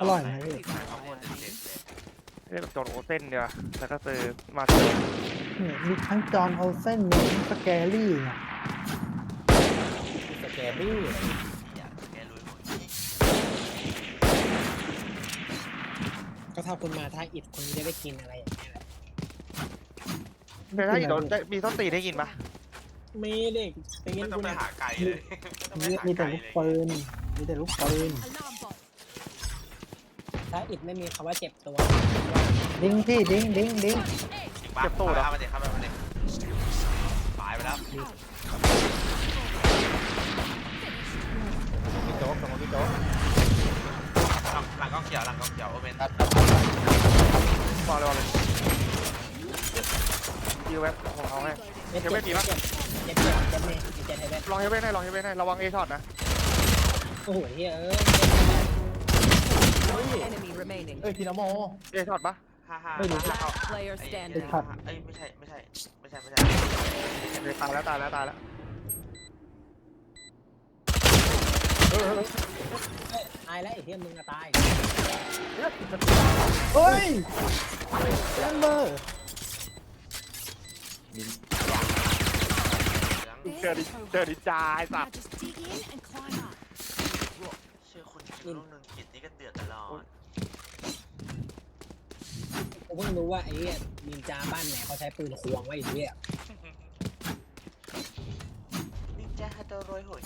ร่อยนะพี่ข้าวโพดเด็ดๆเลยเรียกจอร์นโอเซนเดียวแล้วก็ซื้อมาเซลเนี่ยมีทั้งจอห์นโอเซนมีทั้งสแกรี่เนี่ยสแกนนี่อยากแกลุยหมดก็ถ้าคุณมาท่าอิฐคุณจะได้กินอะไรอย่างเงี้ยแหละแต่ถ้าอีกโดนมีต้นตีได้กินปะมีเด็กตีไม่นต้องคุณไปอะหาไก่เลยไม่ต้องไปหามีแต่ไก่ลูกเลยปืนมีแต่ลูกปืนท่าอิฐไม่มีคำว่าเจ็บตัวดิ้งพี่ดิ้งดิ้งดิ้งจริงปะเข้ามาเด็กเข้ามาเด็กตายไปแล้วพี่โจ๊กตรงพี่โจ๊กหลังกล้องเขียวหลังกล้องเขียวโอเมนตัดวางเลยยิวแว็บของเขาให้เจ็บยังไม่มีปะเจ็บเจ็บเจ็บเจ็บเจ็บไทยแบ็คลองเฮเว่นให้ลองเฮเว่นให้ระวังเอช็อตนะโอ้โหเฮ้ย Enemy remaining. เอ้ยพี่นโมเอช็อตปะฮ่า Last player เอ้ standing. ยไม่ใช่ไม่ใช่ตายแล้วตายแล้วตายแล้วตายแล้วไอ้เหี้ยมึงอะตายเฮ้ยแลมเบอร์เจอดิจาไอ้สัตว์ Just dig in and climb up. ชื่อคุณคิมลูกหนึ่งกิจนี่ก็เดือดตลอดผมเพิ่งรู้ว่าไอ้เหี้ยนินจาบ้านไหนเขาใช้ปืนควงไว้ไอ้เหี้ยนินจาฮัตโตโรยโหย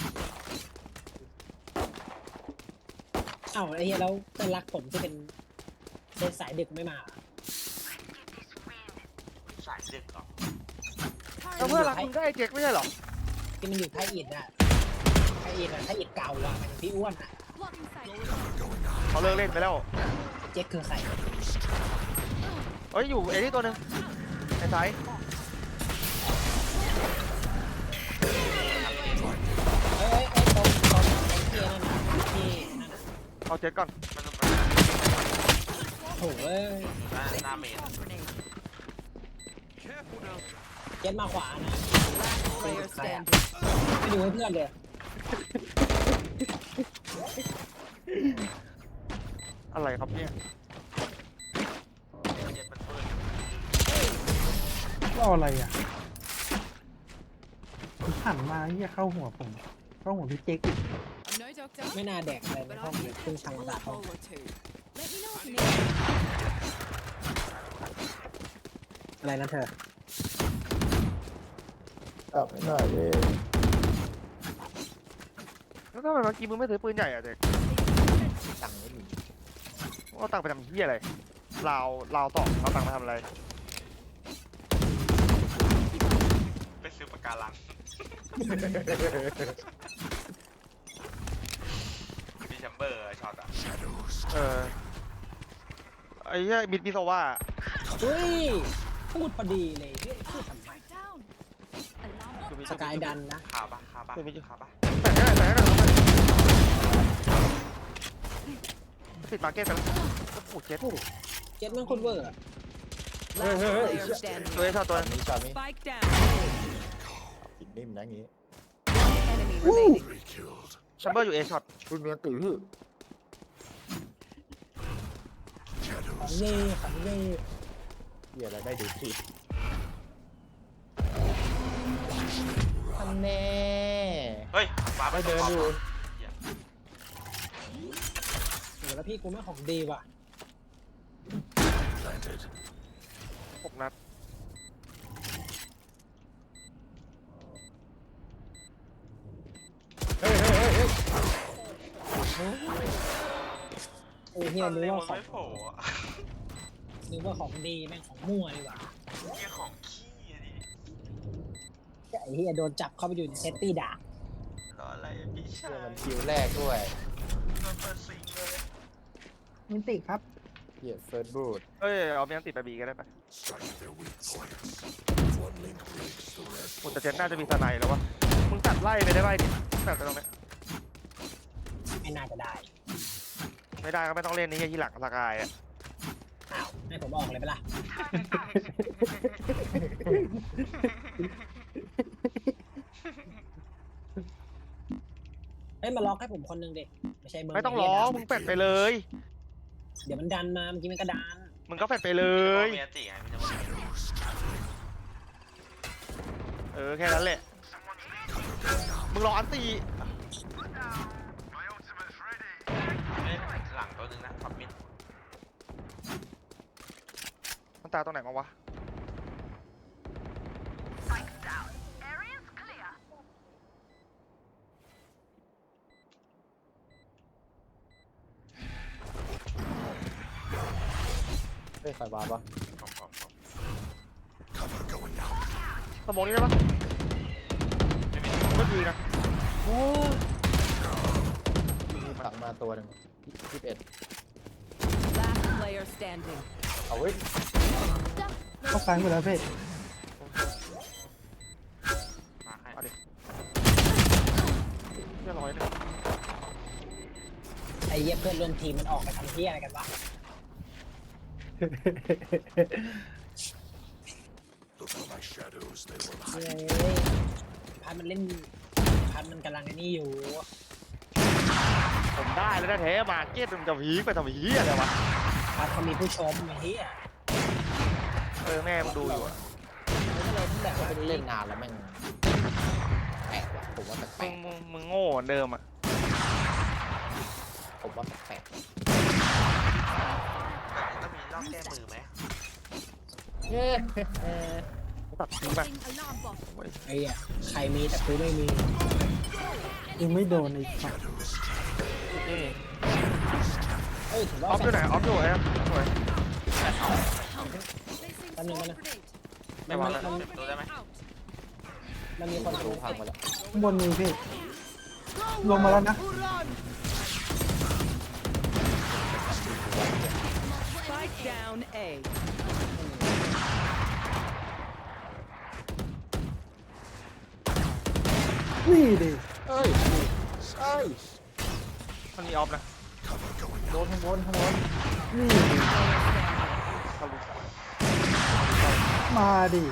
เอ้าไอ้เหี้ยแล้วเพื่อนรักผมที่เป็นสายดึกไม่มาสายดึกหรอแล้วเพื่อนรักคุณได้ไอ้เจ๊กไม่ใช่หรอที่มันอยู่ท่าอิฐอะท่าอิฐอะท่าอิฐเก่าอะมันพี่อ้วนอะ Blocking sight. เขาเลิกเล่นไปแล้วเจ๊กคือใครเฮ้ยอยู่เอนี่ตัวนึงไอ้ไซเอ้ยตรงไอ้เกียร์นั่นน่ะที่นั่นน่ะเอาเจ๊กก่อนมันต้องโถ่เอ้ยหน้าเมนเจ็ดมาขวานะ Player standing. ไม่ดูให้เพื่อนเลยอะไรครับเนี่ยเจ็ดมันเปิดก็อะไรอ่ะผมหันมาเหี้ยเข้าหัวผมเข้าหัวพี่เจ๊กอีก I'm no doctor, ไม่น่าแดกอะไรใน but ห้อง I เลย can เพิ่ง catch ชัง a ตา bullet ห้อง hole or two. Let me know if you need. อะไรนะเธอตับหน่อยเลยแล้วทำไมเมื่อกี้มึงไม่ซื้อปืนใหญ่อะเจ๊กตังค์ไม่มีเอาตังค์ไปทำเหี้ยอะไรลาวต่อเอาตังค์ไปทำอะไรไปซื้อปากการังมีแชมเบอร์ช็อตอ่ะไอ้เหี้ยมิดมิโซว่าเฮ้ยพูดพอดีเลยเฮ้ยพูดทำไม Strike down. Alarm คือมีสกายดันนะขาปะขาปะขาปะแต่ก็ปิดมาร์เก็ตไปแล้วโอ้โหเจ็ดเจ็ดมันคนเวอร์อะ Last player standing. ตัวเอช็อตตัวตอนนี้ช็อตนี้ Spike down. ติดนิ่มนะงี้ Enemy remaining. แชมเบอร์อยู่เอช็อตคุณเมียตื่นหื้อของเย่ของเย่เหี้ยอะไรได้ดูสิทำแน่เฮ้ยฟ้าไม่เดินอยู่โหแล้วพี่กูไม่ของดีว่ะ 6 นัดเฮ้ยเฮ้ยเฮ้ยโอ้เฮียตอนนึกนี้ว่ามันของไม่โผล่อะนึกว่าของดีแม่งของมั่วเลยว่ะนี่ของขี้ดิไอ้เฮียโดนจับเข้าไปอยู่ในเซตตี้ด่ารออะไรพี่ชาเหี้ยยมันคิวแรกด้วยโดนเปิดซิงเลยมินติครับเหี้ยเฟิร์สบูทเอ้ยเอาเมียนติดไปบีก็ได้ไปโอ้แต่เจ็ดน่าจะมีสไนด์แล้ววะมึงตัดไล่ไปได้ไหมดิตัดไปตรงนี้ไม่น่าจะได้ไม่ได้ก็ไม่ต้องเล่นนี่ที่หลังสกายอ่ะอ้าวให้ผมออกเลยไปะล่ะเฮ้ยมาล็อกให้ผมคนหนึงดิไม่ใช่มึงไม่ต้องร้องมึงเป็ดไปเลยเดี๋ยวมันดันมาเมื่อกี้มันก็ดันมึงก็แฟดไปเลยมีอันติไงพี่จะบอกแค่นั้นแหละมึงรออันตีหลังตัวนึงนะท็อปมิดมันตายตรงไหนมาวะเฮ้ยใครวาปะสมองนี้ได้ปะไม่ดีนะโอ้ตักมาตัวหนึ่ง21 Last player standing. เอาเว้ยเข้าซ้ายหมดแล้วพี่มาให้เอาดิเรียบร้อยเลยไอ้เหี้ยเพื่อนร่วมทีมมันออกไปทำเหี้ยอะไรกันวะเฮ้ยพันมันเล่นพันมันกำลังไอ้นี่อยู่ผมได้แล้วนะแท้มาเก็ตมันจะผีไปทำผีอะไรวะพันเขามีผู้ชมไอ้เหี้ยแม่มึงดูอยู่อะมันก็เลยต้องแบบว่าไม่ได้เล่นนานแล้วแม่งแปลกว่ะผมว่าแปลกมึงโง่เหมือนเดิมอ่ะผมว่าแปลกต้องมีรอบแก้มือไหมเย้ตัดทิ้งไป Alarm bot. ไอ้เหี้ยใครมีแต่กูไม่มียังไม่โดนอีกฝั่งเอ้ยถืออว่าอฟอยู่ไหนออฟอยู่ไหนสวย Placing Ano, swarm ano? grenade. ไม่วางแล้วเปิดประตูได้ไหม Out. มันมีคนรู้พังมาแล้วข้างบนมีพี่ ลงมาแล้วนะ Spike down A. นี่ดิเอ้ยเอ้ยมันมีออฟนะโดนข้างบนข้างบนนี่ดิทะลุมาดิ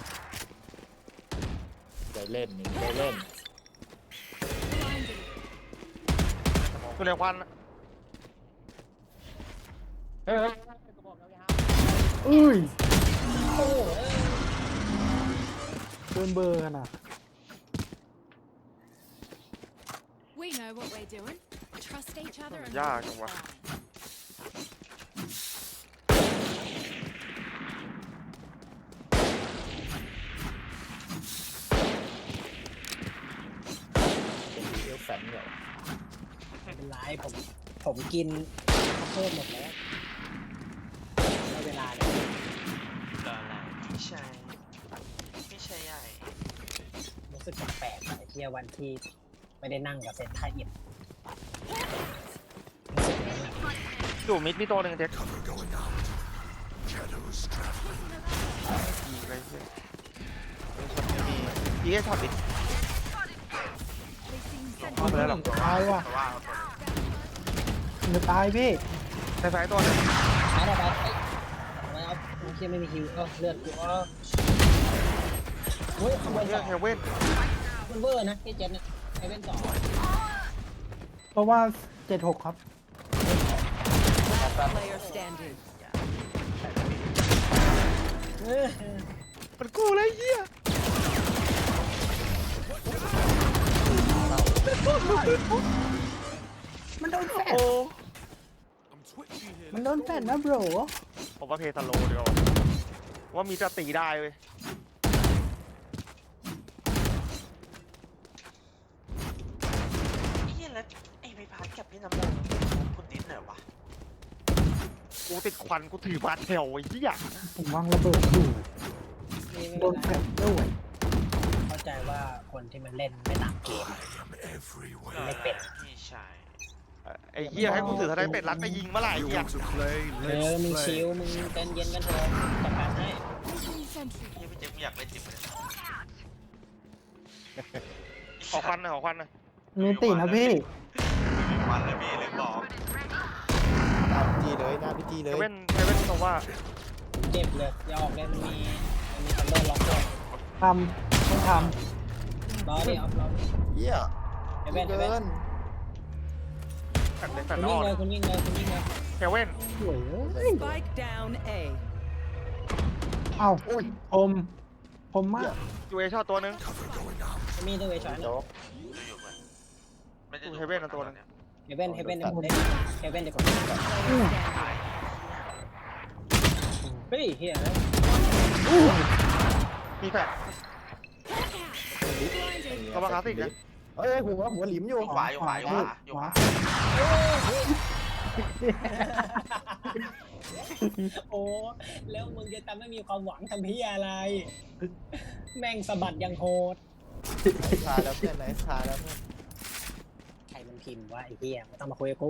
ได้เล่นนี่ได้เล่นตัวเรียกควันเฮ้ยอุ้ยโอ้โหเกินเบอร์ขนาด We know what we're doing. Trust each other and ยากจังวะเป็นดีเอลแฟนเหรอไม่เป็นไรผมกินข้าวโพดหมดแล้วได้เวลาเนี่ยรออะไรพี่ชายใหญ่รู้สึกแปลกๆไอ้เที่ยวันที่ไม่ได้นั่งกับเซตไทยอิดรู้สึกยังไงอยู่มิดมีตัวหนึ่งเด็กอะไรเงี้ยไม่ช็อตไม่มีช็อตดิ placing เข้าไปแล้วหรอตายว่ะเพราะว่าเอาตัวมันตายพี่ในซ้ายตัวนึงช้าหน่อยไปทำไมเอาโอเคไม่มีคิวเลือดกูเฮ้ยขโมยเรื่สออง งเฮเว่นมันเวอร์นะพี่เจนเนี่ยไอเว่นสองเพราะว่า 76 ครับ last player standing. มันกูเลยเหี้ยมันโดนแฟดโอ้มันโดนแฟดนะโบรผมว่าเพทาโลเดียวว่ามีจะตีได้เว้ยไอ้เหี้ยแล้วไอ้ใบพัดกับพี่น้ำมนต์คุณดิ้นเหรอวะกูติดควันกูถือบาดแถวไอ้เหี้ยผมวางระเบิดอยู่นี่ไม่โดเป็นนแฟไรดด้วยเข้าใจว่าคนที่มันเล่นไม่ตามเกม ไม่เป็นพี่ชายไอ้เหี้ยให้กูถือทนายเป็ดรักไปยิงเมื่อไหร่ไอ้เหี้ยมึงชิลมึงเต้นเย็นกันเถอะจัดการให้ Placing sentry. พี่เจ๊กูอยากเล่นจิ๋มเลยขอควันหน่อยขอควันหน่อยมีตีนะพี่มีวันเลยพี่ลืมบอกหน้าพิธีเลยหน้าพิธีเลเฮยเว่นบอกว่าเจ็บเลยอย่าออกเลยมันมีทันเดอร์ล็อกด้วยทำต้องทรอดิเอารอดิเยี่ยไอเว่นไอเกิเว่นนแฟดเลยแฟคุดณนวิ่อง กเลยคุณวิ่งเลยคุณวิ่งเลยเฮเว่นสวยเอ้ย Spike down A. เอ้าผมมากยูเอช็อตตัวนึงมีตัวเอชอนโจ๊กดูอยู่ไหมไม่ได้ดูเฮเว่นเอาตัวนึงเฮเว่นเดี๋ยวผมเล่นเฮเว่นเดี๋ยวผม เฮ้ยเฮียมีแฟลชระวังคลาสสิกนะเอ้ยหัวหลิมอยู่อยู่ขวาอยู่ขวาอยู่ขวาอยู่ขวาโอ้แล้วมึงจะทำให้มีความหวังทำพี่อะไร แม่งสะบัดยังโหดชาแล้วเพื่อนไหนชาแล้วเพื่อนใครมันพิมพ์ว่าไอ้เฮียไม่ต้องมาคุยกับกู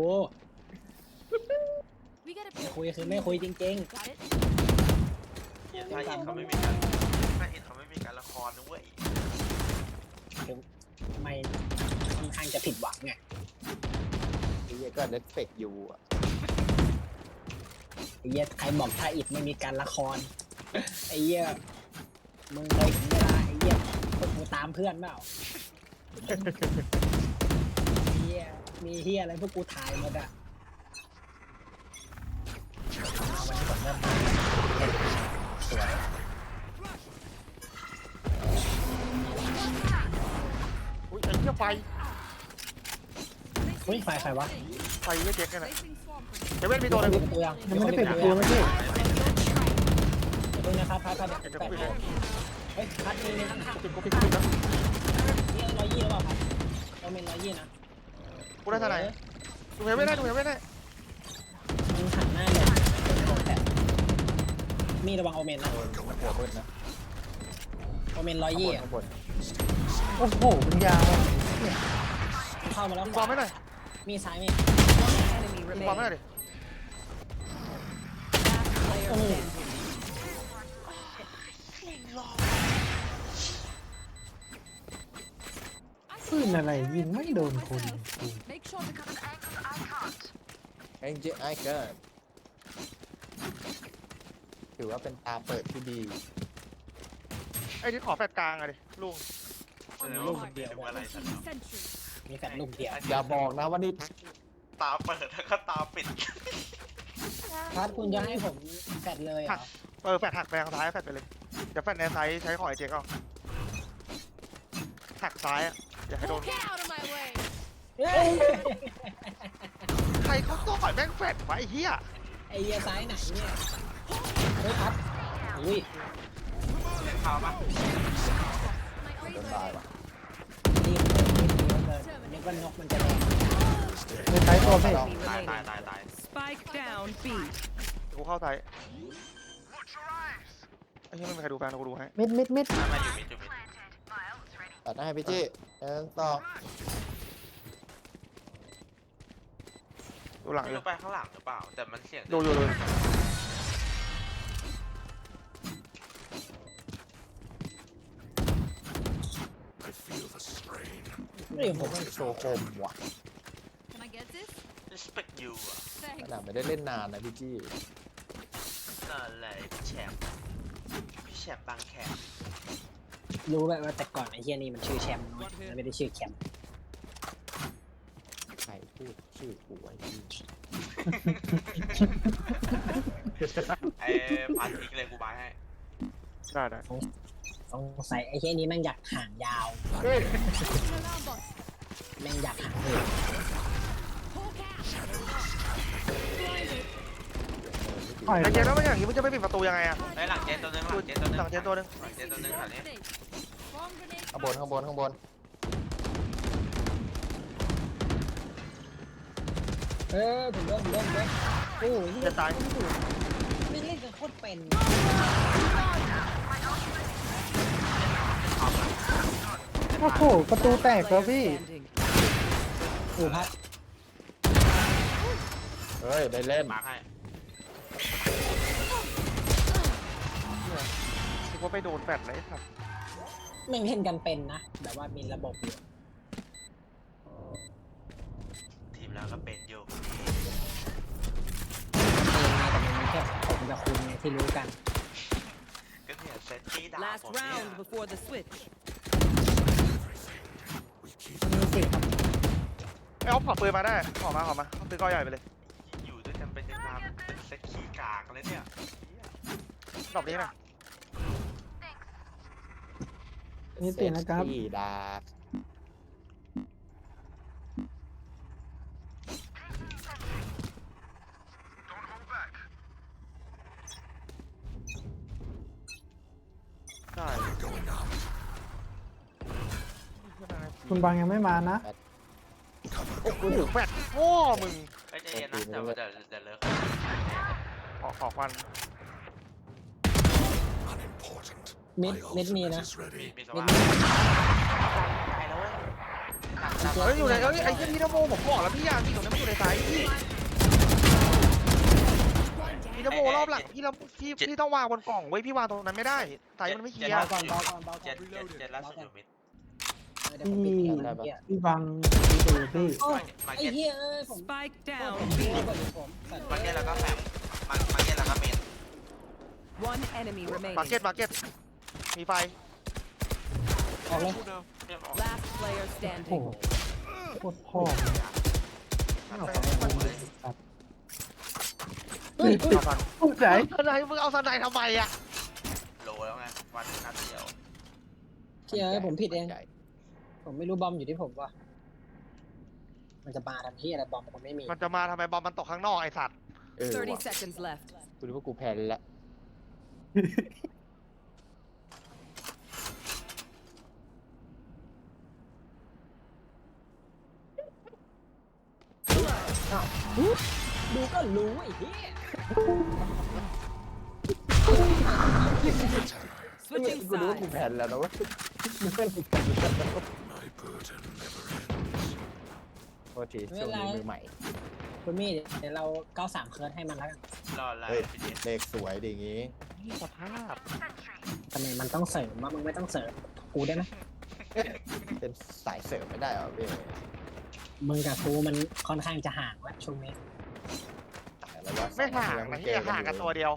We gotta ไม่ pick. คุยคือไม่คุยจริง Got it? ถ้าอินเขาไม่มีการถ้าอินเขาไม่มีการละครนะเว้ยๆทำไมค่อนข้างจะผิดหวังไงไอ้เหี้ยก็เน็ตเฟกอยู่อ่ะไอ้เหี้ยใครบอกถ้าอิดไม่มีการละครไอ้เหี้ยมึงเลยถึงเวลาไอ้เหี้ยพวกกูตามเพื่อนเปล่าไอ้เหี้ยมีเหี้ยอะไรพวกกูถ่ายหมดอะวันนี้ก่อนเริ่มสวยอุ้ยไอ้เหี้ยไฟเฮ้ยไฟวะไฟเหี้ยเจ๊กเนี่ยนะ Placing swamp เฮเว่นมีตัวนึงตัวยังยังไม่ได้ปิดประตูเมื่อกี้ดูนะครับพัดเดี๋ยวกูปิดเลยเฮ้ยพัดมีข้างๆปิดกูปิดแล้วนี่120หรือเปล่าครับเราเป็น120นะกูได้เท่าไหร่ดูเฮเว่นได้ดูเฮเว่นได้มึงหันหน้าเลยแต่มีระวังโอเมนนะหัวเบิ้ลนะโอเมนข้างบน 120 ข้างบนโอ้โหมันยาวเนี่ยมันเข้ามาแล้วยิงบอลไม่หน่อยมีซ้ายมี Enemy ยิงบอลไม่หน่อย remaining. ดิ Last player โอ้โห standing. ปืนอะไรยิงไม่โดนคน Make sure the cover. ไอ้เจ๊ไอ้เกิดถือว่าเป็นตาเปิดที่ดีไอ้ที่ขอแฟลชกลางอะดิลุงลูกเดียวดูอะไรสัก Sentry. มีแฟนลูกเดียวอย่าบอกนะว่านี่ตาเปิดแล้วก็ตาปิดพัดคุณจะให้ผมแฟดเลยเหรอแฟลชหักไปทางซ้ายแฟลชไปเลยเดี๋ยวแฟลชในไซส์ใช้ของไอ้เจ๊กเอาหักซ้ายอะอย่าให้โดน Get out of my way. เฮ้ยใครเขาต่อยแม่งแฟลชวะไอ้เหี้ยไอ้เหี้ยซ้ายไหนเนี่ยเฮ้ยพัดอุ้ยข่าวปะ My โดนตายว่ะรีบเลยนึกว่านกมันจะแดงไม่ใช้ตัวพี่ Enemy ตาย remaining. ตาย Spike down B. กูเข้าไซส์ไอ้เหี้ยไม่มีใครดูแฟนกูดูให้มิดมาอยู่มิดอยู่มิดตัดหน้าให้พี่จี้ต่อดูหลังไม่เลรู้ยไปข้างหลังหรือเปล่าแต่มันเสียงดูอยู่เรื่องผมโชว์โคมว่ะ Can I get this? ดิสเปกยูอ่ะข Thanks. นาดไม่ได้เล่นนานนะพี่จี้นั่นแหละพี่แชมป์บางแคมรู้แบบว่าแต่ก่อนไอ้เฮียนี่มันชื่อแชมป์น้อยมันไม่ได้ชื่อแคมป์ใครพูดชื่อกูไอ้พี่ไอ้พันทิ้งเลยกูบายให้ได้สงสัยไอ้เฮียนี้แม่งอยากห่างยาว Placing alarm bot. แม่งอยากห่างเลย Hawk out. Blinded. ปล่อยไอ้เจ๊แล้วมันอย่างนี้มึงจะไม่ปิดประตูยังไงอะไอ้หลังเจนตัวนึงหลังเจนตัวนึงหลังเจ๊ตัวนึงหลังเจนตัวนึงแถวนี้ Bomb grenade. ข้างบนข้างบนข้างบนผมโดนโอ้ยจะตายไม่เล่นกันโคตรเป็นโอ้โหประตูแตกแล้วพี่ Standing. อูพัดเฮ้ยได้เล่นมาร์คให้คิดว่าไปโดนแฟลชเลยครับแม่งเล่นกันเป็นนะแบบว่ามีระบบอยู่ทีมแล้วก็เป็นอยู่แต่มันมีแค่ผมกับคุณไงที่รู้กันก็เนี่ยเซตที่ด่า Last ผมเนี่ย round before the switch. มีสิครับไอ้เอาขอปืนมาได้ขอมาเอาปืนก้อนใหญ่ไปเลยอยู่ด้วยกันเป็นยังไงากเลยเนี่ยรอบนี้นะนี่ติดนะครับเซ็กซี่ดาใช่คุณบางยังไม่มานะโอ้โหแฟดพ่อมึงไอ้ใจเย็นนะแต่ว่าเดี๋ยวเลิกขอควันมิดมีนะมีสว่างตายแล้วเว้ยเฮ้ยอยู่ไหนเอ้ยไอ้เหี้ยพี่นโมผมบอกแล้วพี่ยางพี่ตรงนั้นไม่อยู่ในสายพี่นโมรอบหลังพี่ต้องวางบนกล่องไว้พี่วางตรงนั้นไม่ได้สายมันไม่เคลียร์เบาก่อนเบาก่อนเบาก่เจ็อดนเจ็ดล่าสุดอยู่มิดเดี๋ยวผมปิดเองนะเฮียพี่บางดูพี่โอ้มาไอ้เก็ตเฮียเอ้ยผม Spike โท down ษ B. ผมสัตว์มาเก็ตแล้วก็แฟมมาเก็ตแล้วก็เมน One enemy มาร์เก็ต remaining. มาร์เก็ตมีไฟออกเลยเรียบร้อย Last player โอ้โห standing. โคตรพ่อเลยครับเฮ้ยเอาฟันผู้ใจสไนมึงเอาสไนทำไมอ่ะโลแล้วไงวันนัดเดียวเฮียเอ้ยผมผิดเองใหญ่ผมไม่รู้บอมอยู่ที่ผมว่ะมันจะมาทำที่อะไรบอมผมไม่มีมันจะมาทำไมบอลมันตกข้างนอกไอสัตว์ 30 ว่ะ seconds left. กูรู้ว่ากูแพ้แล้วดูก็รู้ไอ้เฮีย Switching กูรู้ว่ากู sides. แพ้แล้วนะเว้ยมึงเป็นอีกคนโทษทีช่วงนี้มือใหม่คุณมี่เดี๋ยวเรา93เคิร์ดให้มันแล้วกันรอไล่เฮ้ยไปดิเลขสวยดีงี้สภาพทำไมมันต้องเสริมว่ามึงไม่ต้องเสริมกูได้ไหมเป็นสายเสริมไม่ได้เหรอพี่มึงกับกูมันค่อนข้างจะห่างแล้วช่วงนี้ระยะไม่ห่างนะเฮียห่างกันตัวเดียว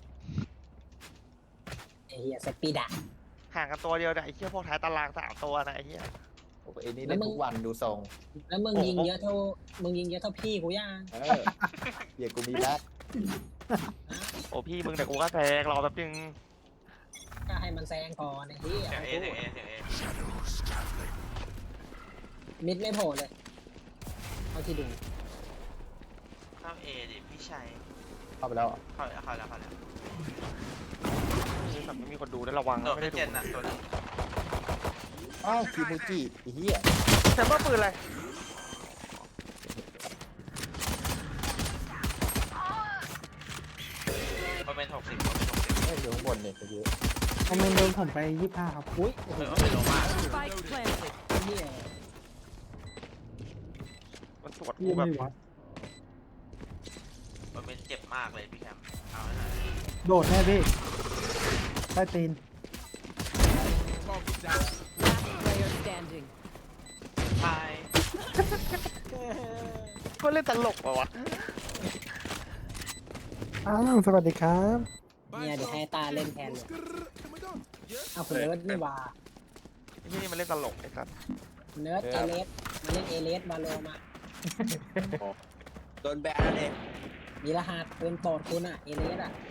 ไอ้เฮียเซปปี้ดะห่างกันตัวเดียวแต่ไอ้เหี้ยพวกท้ายตาราง3 ตัวนะไอ้เหี้ยโอ้โหไอ้นี่เล่นทุกวันดูทรงแล้วมึงยิงเยอะเท่าพี่กูย่างเออเดี๋ยวกูมีแบ็คโอ้พี่มึงแต่กูก็แซงรอแป๊บนึงก็ให้มันแซงก่อนไอ้เฮียเสียงเอเสียงเอเสียงเอมิดไม่โผล่เลยเอาที่ดูเข้าเอดิพี่ชัยเข้าไปแล้วเหรอเข้าแล้วนี่แบบไม่มีคนดูได้ระวังโดนะดไม่ไปได้ดูเจ็ดน่ะตัวนึงอ้าวคิมูจิไอ้เหี้ยแซมเบอร์ปืนอะไรมันเป็น60 เฮ้ยอยู่ข้างบนเนี่ยเยอะคอมเมนต์โดนผมไป25ครับอุ้ยโอ้โหมันเป็นโลมาก Spike planted. เฮียมันตรวจกูพี่แบบไม่วัดมันเป็นเจ็บมากเลยพี่แคมเอาให้หน่อยโดดแน่พี่ใต้ตีน Last player standing. ตายก็เล่นตลกปะวะอ้าวสวัสดีครับเนี่ยเดี๋ยวให้ตาเล่นแทนเลยเอาคุณเนิร์ดนี่ว่าไอ้ที่นี่มันเล่นตลกไอ้สัสเนิร์ดเอเลสมาเล่นเอเลสมาโลมาโดนแบนแล้วเนี่ยมีรหัสเป็นโปรดคุณอ่ะเอเลสอ่ะ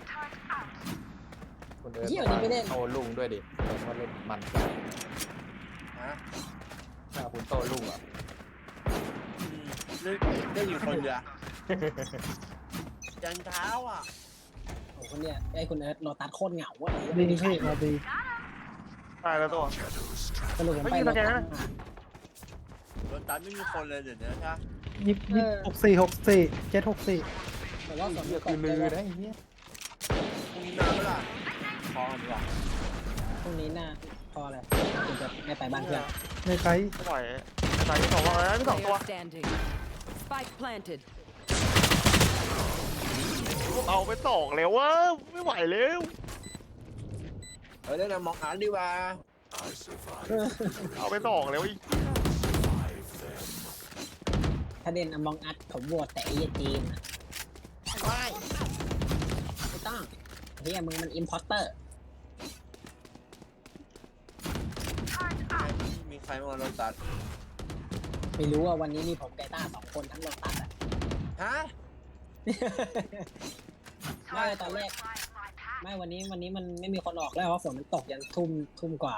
คนเดินเหี้ยวันนี้ไม่เล่นโตลุงด้วยดิเพราะเล่นมันฮะถ้าคุณโตลุงอ่ะเล่นอยู่คนเดียวยันเช้าอ่ะโอ้คนเนี่ยไอ้คุณเนิร์ดโลตัสโคตรเหงาอ่ะดีพี่มาดีตายแล้วตัวสรุปผมไม่ไปมีโลสแกตันสนะมารถตันไม่มีคนเลยเดี๋ยวนี้ใช่ไหม 24 764 แต่ว่าสมมเหี้ยติคือลือได้นะไอ้เหี้ยพรุ่งนี้มาเมื่อไหร่พอดีกว่าพรุ่งนี้น่าพอเลยคุณจะไม่ไปบ้านเพื่อนในไซส์ไม่ไหวตายที่สองว่าไม่สองตัว Player standing. Spike planted. เอาไปสองแล้ววะไม่ไหวแล้วเล่นมองอาร์ตดีกว่าเอาไปสองแล้วอีกถ้าเด่นอมองอัดผมโหวตแต่ไอ้เหี้ยจีนอะไม่ต้องเฮียมึงมันอิมพอร์เตอร์มีใครมารถตัดไม่รู้ว่าวันนี้มีผมไกต้า2 คนทั้งโลตัสอ่ะฮะไม่ตอนแรกไม่วันนี้มันไม่มีคนออกแล้วเพราะฝนมันตกยันทุ่มกว่า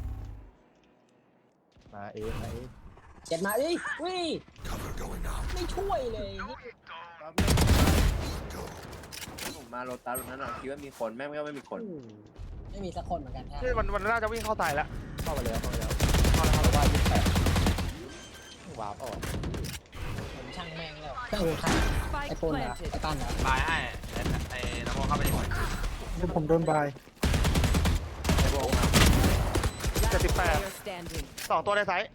มาเองมาเองเจ็ดมาเอ้ยวิ่งไม่ช่วยเลยผมมาโรตัสตรงนั้นคิดว่ามีคนแม่งก็ไม่มีคนไม่มีสักคนเหมือนกันแท้นี่มันน่าจะวิ่งเข้าตายแล้วเข้าไปแล้วเพราะว่า28วาร์ปออกผมช่างแม่งแล้วเครื่องหูคันไอ้ Spike ปูนเหรอ planted. ไอ้ปั้นเหรอบายให้ไอ้น้ำมันเข้าไปดิเดี๋ยวผมโดนบาย Last 78 player standing. 2 ตัวในไซส์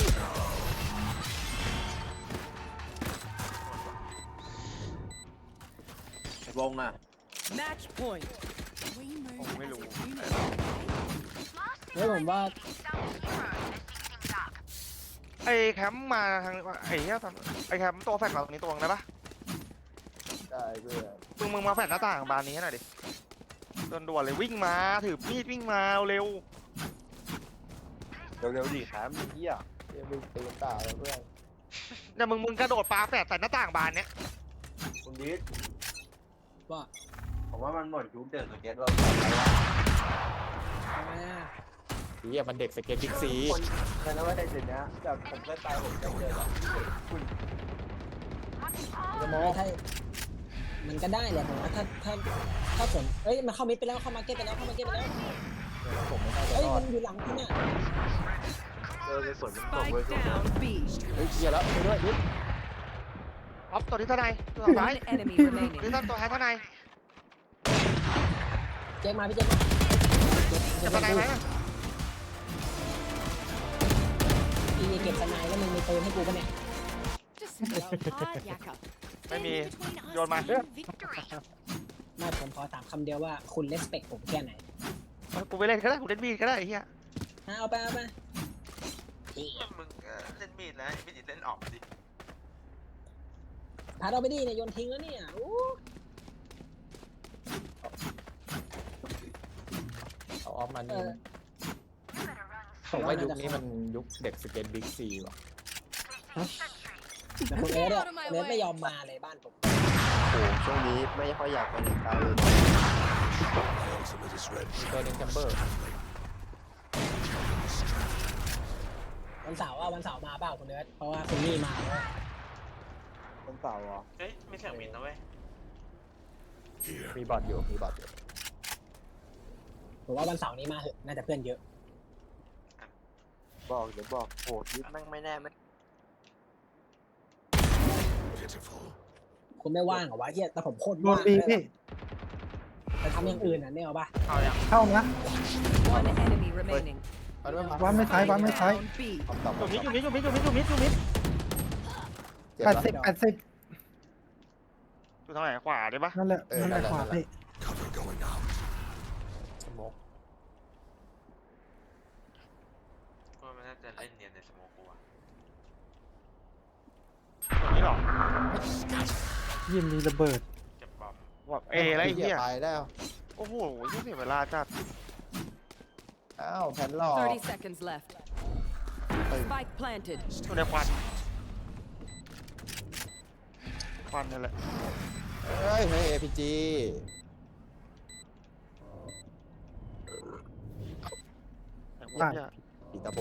ไอ้วงอ่ะ Match point. We move Oh, as hello. a unit. เฮ้ยผมว่าไอ้แคมป์มาทางไอ้เหี้ยไอ้แคมป์ตัวแฟลชมาตรงนี้ตัวนึงได้ปะได้เพื่อนมึงมาแฟลชหน้าต่างบานนี้ให้หน่อยดิด่วนๆเลยวิ่งมาถือมีดวิ่งมาเร็วเร็วๆดิครับเฮียเรียกวิ่งตีนตาเลยเพื่อนเนี่ยมึงกระโดดปาแฟลชใส่หน้าต่างบานเนี้ยคุณดิษว่าผมว่ามันหมดยุคเดินสเก็ตเราทำไมอ่ะเฮียมันเด็กสเก็ตบิ๊กซีคนเคยนะว่าในจุดนี้แบบผมเคยไปผมจะเจอแบบคุณจะมอถ้ามันก็ได้แหละผมว่าถ้าฝนเอ้ยมันเข้ามิดไปแล้วเข้ามาเก็ตไปแล้วเข้ามาเก็ตไปแล้วผมไม่น่าจะเอ้ยรอมัดนอยู่หลังคุณเนี่ยในสวนมันตก Spike เว้ย down B. เฮ้ยเฮียแล้วไปด้วยดิอ๊อฟตัวที่เท่าไหร่ตัวสุดท้าย One enemy ตัว remaining. ที่ตัวท้ายเท่าไหร่เจ๊มาพี่เจ๊มาจะตัวไหนไหมอีเก็บสไนแล้วมึงมีปืนให้กูปะเนี่ย Just well hard, Yakka. ไม่มี Between us โยนมา and victory. ไม่ผมขอถามคำเดียวว่าคุณเลสเปคผมแค่ไหนกูไปเล่นก็ได้กูเล่นมีดก็ได้ไอ้เหี้ยเอาไปมึงเล่นมีดแล้วไม่ดิเล่นออกดิพาเราไปดิเนี่ยโยนทิ้งแล้วเนี่ยอู้เอาออฟมานี่ผมว่ายุคนี้มันยุคเด็กสเก็ตบิ๊กซีว่ะแต่คุณเลสเนี่ยเลสไม่ยอมมาเลยบ้านผมโอ้ช่วงนี้ไม่ค่อยอยากไปไหนไกลเลยตัวนึงแคมเบอร์วันเสาร์มาเปล่าคุณเลสเพราะว่าคุณนี่มาแล้วคนเสาร์เหรอเฮ้ยไม่เสียงมินนะเว้ยมีบอทอยู่มีบอทอยู่ผมว่าวันเสาร์นี้มาเหอะน่าจะเพื่อนเยอะบอกเดี๋ยวบอกโหยิปแม่งไม่แน่ไม่คุณไม่ว่างเหรอวะเฮียแต่ผมโคตรโดนว่างบีเลยพี่แต่ทำอย่างอื่นอ่ะเนี่ยเอาปะเอายังเข้านะ One enemy remaining. เอาด้วยมาวันไม่ใช้วันไม่ใช้ Down B. ตอบอยู่มิดอยู่มิดอยู่มิดอยู่มิดอยู่มิดอยู่มิดเจ็บ 80 แล้ว 80 อยู่ทางไหนขวาได้ปะนั่นแหละนั่นแหละขวาพี่สโมกมันน่าจะเล่นเนียนในสโมกูอะตรงนี้หรอยิมมีระเบิดเก็บบอมว่าเออะไรไอ้เหี้ยไปแล้วโอ้โหยิ่งเสียเวลาจัดอ้าวแผ่นหลอก 30 seconds left. Spike planted. อยู่ในควันควันนั่นแหละเฮ้ยเฮ้ย APG แต่พวกเนี้ยปีตาโบ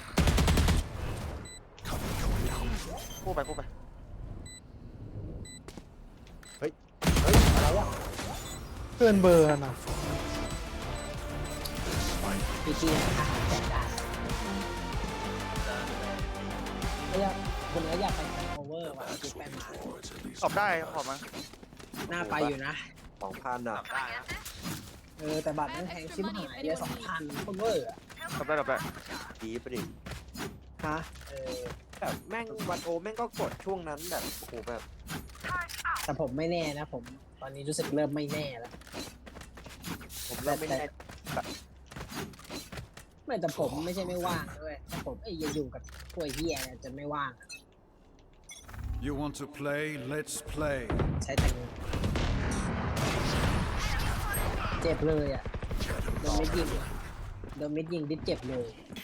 กู้ไปกู้ไปเฮ้ยอะไรวะเกินเบอร์นะพีจีอาหารแจกได้ไม่อยากคุณเลสอยากไปแข่งโอเวอร์ว่ะคิดไปมาตอบได้ขอบมาน่าไปอยู่นะ 2,000อ่ะจับได้นะแต่บัตรมันแพงชิบหายเดียว2,000โอเวอร์อะตอบได้ตอบได้ดีไปดิฮะแบบแม่งวันโอแม่งก็กดช่วงนั้นแบบโอ้โหแบบแต่ผมไม่แน่นะผมตอนนี้รู้สึกเริ่มไม่แน่แล้วผมเริ่มไม่แน่ไม่แต่ผมไม่ใช่ไม่ว่างด้วยแต่ผมยังอยู่กับพวกเฮียเนี่ยจะไม่ว่างอะ You want to play? Let's play. ใช้แต่เงินเจ็บเลยอ่ะโดนมิดยิงดิบเจ็บเลย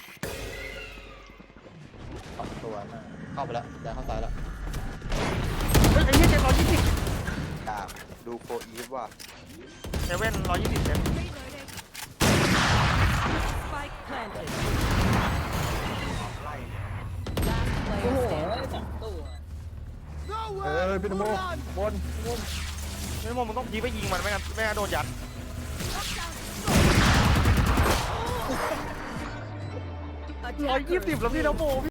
สองตัวน่ะเข้าไปแล้วย้ายเข้าซ้ายแล้วเฮ้ยไอ้เหี้ย720 ดากดูโฟอีฟว่ะเซเว่น120เซน Reloading. Spike planted. ไล่ Last โอ้โห player standing. สองตัวพี่นโมบนพี่นโมมึงต้องพีไปยิงมันไม่งั้นโดนยัด Attackers 120แล้วพี่นโม